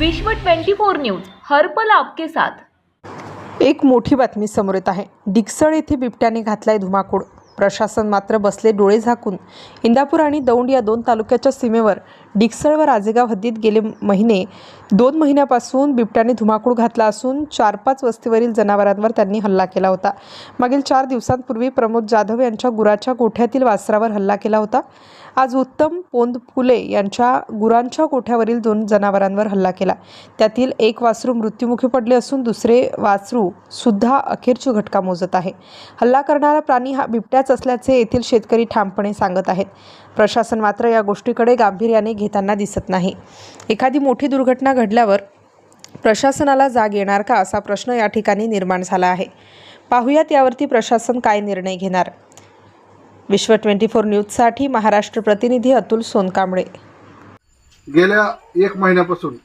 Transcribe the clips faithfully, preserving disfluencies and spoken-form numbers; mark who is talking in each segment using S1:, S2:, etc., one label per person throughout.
S1: विश्व चोवीस न्यूज हर पल आपके साथ।
S2: एक मोठी बातमी समोर येत आहे। डिकसळ येथे बिबट्याने घातलाय धुमाकूळ। प्रशासन मात्र बसले डोळे झाकून। इंदापूर आणि दौंड या दोन तालुक्याच्या सीमेवर डिकसळ व राजेगाव हद्दीत गेले महिने दोन महिन्यापासून बिबट्याने धुमाकूळ घातला असून चार पाच वस्तीवरील जनावरांवर त्यांनी हल्ला केला होता। मागील चार दिवसांपूर्वी प्रमोद जाधव यांच्या गुराच्या गोठ्यातील वासरावर हल्ला केला होता। आज उत्तम पोंदफुले यांच्या गुरांच्या गोठ्यावरील दोन जनावरांवर हल्ला केला। त्यातील एक वासरू मृत्युमुखी पडले असून दुसरे वासरू सुद्धा अखेरची घटका मोजत आहे। हल्ला करणारा प्राणी हा बिबट्याच असल्याचे येथील शेतकरी ठामपणे सांगत आहेत। प्रशासन मात्र या गोष्टीकडे गांभीर्याने घेताना दिसत नाही। एखादी मोठी दुर्घटना घडल्यावर प्रशासनाला जाग येणार का असा प्रश्न या ठिकाणी निर्माण झाला आहे। पाहुयात यावरती प्रशासन काय निर्णय घेणार। विश्व चोवीस न्यूजसाठी महाराष्ट्र प्रतिनिधी अतुल सोनकांबळे।
S3: गेल्या एक महिन्यापासून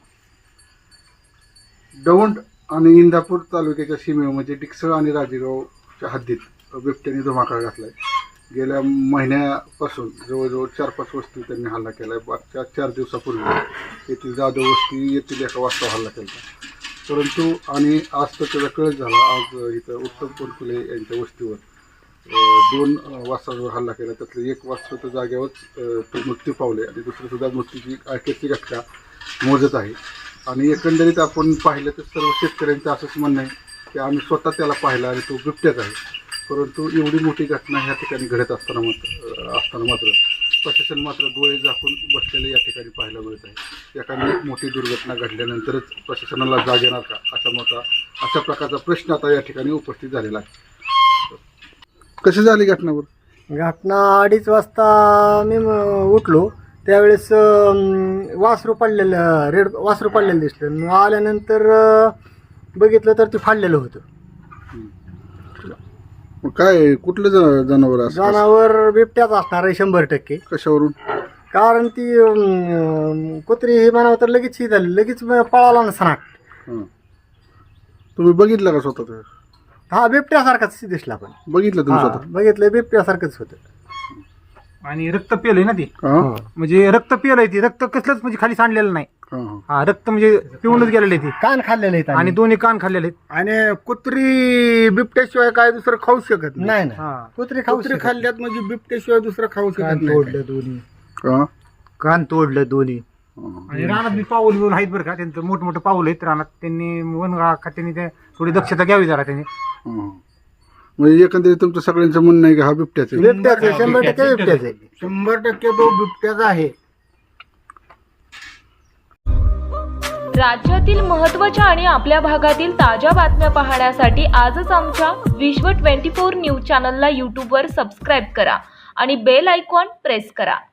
S3: दौंड आणि इंदापूर तालुक्याच्या सीमेवर म्हणजे डिकसळ आणि राजेगावच्या हद्दीत बिबट्याने धुमाकूळ घातलाय। गेल्या महिन्यापासून जवळजवळ चार पाच वस्ती त्यांनी हल्ला केला आहे। मागच्या चार दिवसापूर्वी येथील जाधव वस्ती येथील एका वाजता हल्ला केला, परंतु आणि आज तर त्याचा कळत झाला। आज इथं उत्तम पोंदफुले यांच्या वस्तीवर दोन वासरांवर हल्ला केला। त्यातलं एक वासर तर जागेवरच तो मृत्यू पावले आणि दुसरं सुद्धा मृत्यूची अखेरची घटका मोजत आहे। आणि एकंदरीत आपण पाहिलं तर सर्व शेतकऱ्यांचं असंच म्हणणं आहे की आम्ही स्वतः त्याला पाहिला आणि तो बिबट्याच आहे, परंतु एवढी मोठी घटना ह्या ठिकाणी घडत असताना मात्र असताना मात्र प्रशासन मात्र डोळे झाकून बसलेले या ठिकाणी पाहायला मिळत आहे। एखादी मोठी दुर्घटना घडल्यानंतरच प्रशासनाला जाग येणार का असा मोठा अशा प्रकारचा प्रश्न आता या ठिकाणी उपस्थित झालेला आहे। कशी झाली घटनावर?
S4: घटना अडीच वाजता मी उठलो त्यावेळेस वासरू पडलेलं रेड वासरू पडलेलं दिसलं। मग आल्यानंतर बघितलं तर ते फाडलेलं होतं।
S3: मग काय कुठलं ज- जनावर असं?
S4: जनावर बिबट्याच असणार आहे शंभर टक्के।
S3: कशावरून?
S4: कारण ती अं, कुत्री हे म्हणावं तर लगेच ही झाली, लगेच पळाला ना सनाट।
S3: हां, तुम्ही बघितलं का स्वतः? ते
S4: हा बिबट्यासारखाच दिसला पण
S3: बघितलं तुम्ही
S4: हा,
S3: स्वतः?
S4: बघितलं बिबट्यासारखंच होतं।
S5: आणि रक्त पिलंय ना ती,
S3: हां
S5: म्हणजे रक्त पिलंय ती, रक्त कसलंच म्हणजे खाली सांडलेलं नाही।
S3: हां हां.
S5: हा रक्त म्हणजे पिऊनच गेलेलं आहे ती,
S4: कान खाल्लेले आहेत
S5: आणि दोन्ही कान खाल्लेले आहेत।
S6: आणि कुत्री बिबट्याशिवाय काय दुसरं खाऊ शकत
S4: नाही ना
S5: हा
S4: कुत्री खाऊ
S6: कुत्री
S4: शकत
S6: खाल्ल्यात म्हणजे बिबट्याशिवाय दुसरं खाऊ
S4: कान
S6: शकत नाही।
S4: तोडलं दोन्ही
S3: हां
S4: कान तोडलं दोन्ही।
S3: हां.
S5: आणि रानात बी पाऊल बिऊल आहेत बरं का, त्यांचं मोठमोठं पाऊल आहेत रानात। त्यांनी वन खात्याने ते थोडी दक्षता घ्यावी जरा त्यांनी।
S3: हां. म्हणजे एकंदरीत तुमचं सगळ्यांचं म्हणणं आहे की हा बिबट्याच आहे?
S4: बिबट्याच आहे, शंभर टक्के बिबट्याच आहे।
S6: शंभर टक्के तो बिबट्याचा आहे।
S1: राज्यातील महत्त्वाच्या आणि आपल्या भागातील ताज्या बातम्या पाहण्यासाठी आजच आमच्या विश्व चोवीस न्यूज चॅनलला यूट्यूबवर सबस्क्राईब करा आणि बेल आयकॉन प्रेस करा।